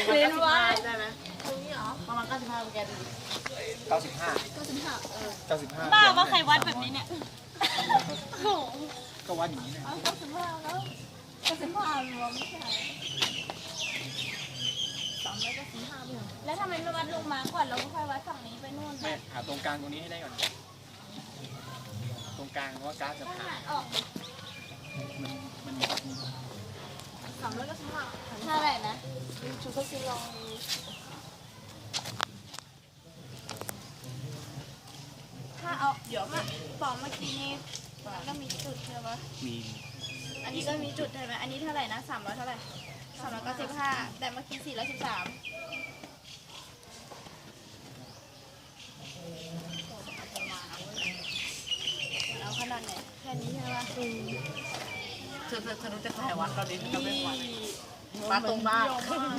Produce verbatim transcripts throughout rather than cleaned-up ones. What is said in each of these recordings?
เรียนไว้ได้ไหมตรงนี้เหรอประมาณเก้าสิบห้าแกดูเก้าสิบห้าเก้าสิบห้าเออเก้าสิบห้าบ้าว่าใครวัดแบบนี้เนี่ยก็วัดอย่างนี้นะเก้าสิบห้าแล้วเก้าสิบห้ารวมไม่ใช่สามร้อยเก้าสิบห้าเพื่อนแล้วทำไมไม่วัดลงมาก่อนเราก็ค่อยวัดฝั่งนี้ไปนู่นไม่หาตรงกลางตรงนี้ให้ได้ก่อนตรงกลางว่ากราฟจะผ่านออกมันมันสามร้อยเก้าสิบห้าเท่าไหร่นะชุดก็คือลองถ้าเอาเดี๋ยวมาบอกเมื่อกี้นี้มันก็มีจุดใช่ปะมีอันนี้ก็มีจุดใช่ไหมอันนี้เท่าไหร่นะสามร้อยเท่าไหร่สามร้อยเก้าสิบห้าแต่เมื่อกี้สี่ร้อยสิบสามเอาขนาดไหนแค่นี้ใช่ไหมเธอเธอเธอรู้จะถ่ายวัดตอนนี้เธอจะเป็นวัดมาตรงบ้าน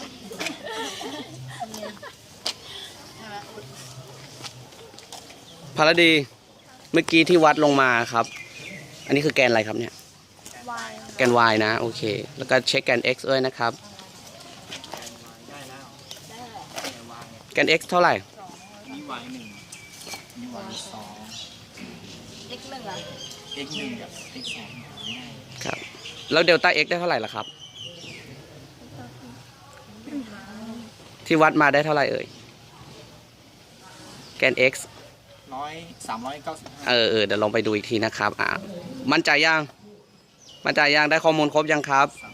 พาราดีเมื่อกี้ที่วัดลงมาครับอันนี้คือแกนอะไรครับเนี่ยแกน y นะโอเคแล้วก็เช็คแกน x ด้วยนะครับแกน x เท่าไหร่มี y หนึ่งมี y สอง x หนึ่งอ่ะ x หนึ่งกับ x สองง่ายครับแล้วเดลต้า x ได้เท่าไหร่ล่ะครับที่วัดมาได้เท่าไหร่เอ่ยแกน x ร้อยสามร้อยเก้าสิบห้าเออเออเดี๋ยวลองไปดูอีกทีนะครับอ่ามั่นใจยังมั่นใจยังได้ข้อมูลครบยังครับสาม